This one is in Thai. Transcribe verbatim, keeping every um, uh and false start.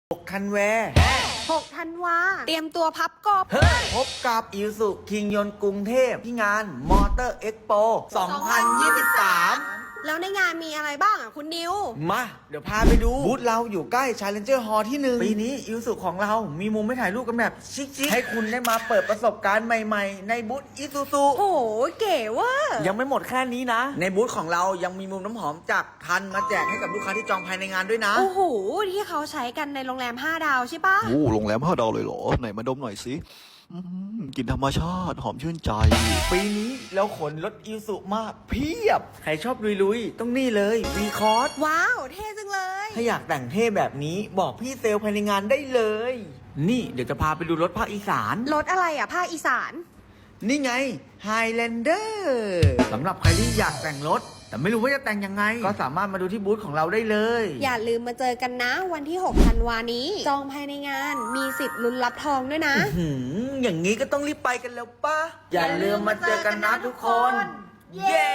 หกธันวาหกธันวาเตรียมตัวพับกบพบกับอิวสุคิงยนต์กรุงเทพที่งานมอเตอร์เอ็กโปสองพันยี่สิบสามแล้วในงานมีอะไรบ้างอ่ะคุณนิวมาเดี๋ยวพาไปดูบูธเราอยู่ใกล้ Challenger Hall ที่หนึ่งปีนี้อิวสุของเรามีมุมให้ถ่ายรูปกันแบบชิคๆให้คุณได้มาเปิดประสบการณ์ใหม่ๆในบูธอิซูซุโอ้โหเก๋เว่ะยังไม่หมดแค่นี้นะในบูธของเรายังมีมุมน้ำหอมจากทันมาแจกให้กับลูกค้าที่จองภายในงานด้วยนะโอ้โหที่เขาใช้กันในโรงแรมห้าดาวใช่ปะโอ้โรงแรมห้าดาวเลยเหรอไหนมาดมหน่อยสิกลิ่นธรรมชาติหอมชื่นใจปีนี้เราขนรถอิวสุมาเพียบใครชอบลุยๆต้องนี่เลยวีคอร์สว้าวเท่จังเลยถ้าอยากแต่งเท่แบบนี้บอกพี่เซลล์ภายในงานได้เลย นี่เดี๋ยวจะพาไปดูรถภาคอีสานรถอะไรอ่ะภาคอีสานนี่ไง Highlander สำหรับใครที่อยากแต่งรถแต่ไม่รู้ว่าจะแต่งยังไงก็สามารถมาดูที่บูธของเราได้เลยอย่าลืมมาเจอกันนะวันที่หกธันวานี้จองภายในงานมีสิทธิ์ลุ้นรับทองด้วยนะหืมอย่างนี้ก็ต้องรีบไปกันแล้วป่ะอย่าลืมมาเจอกันนะทุกคนเย้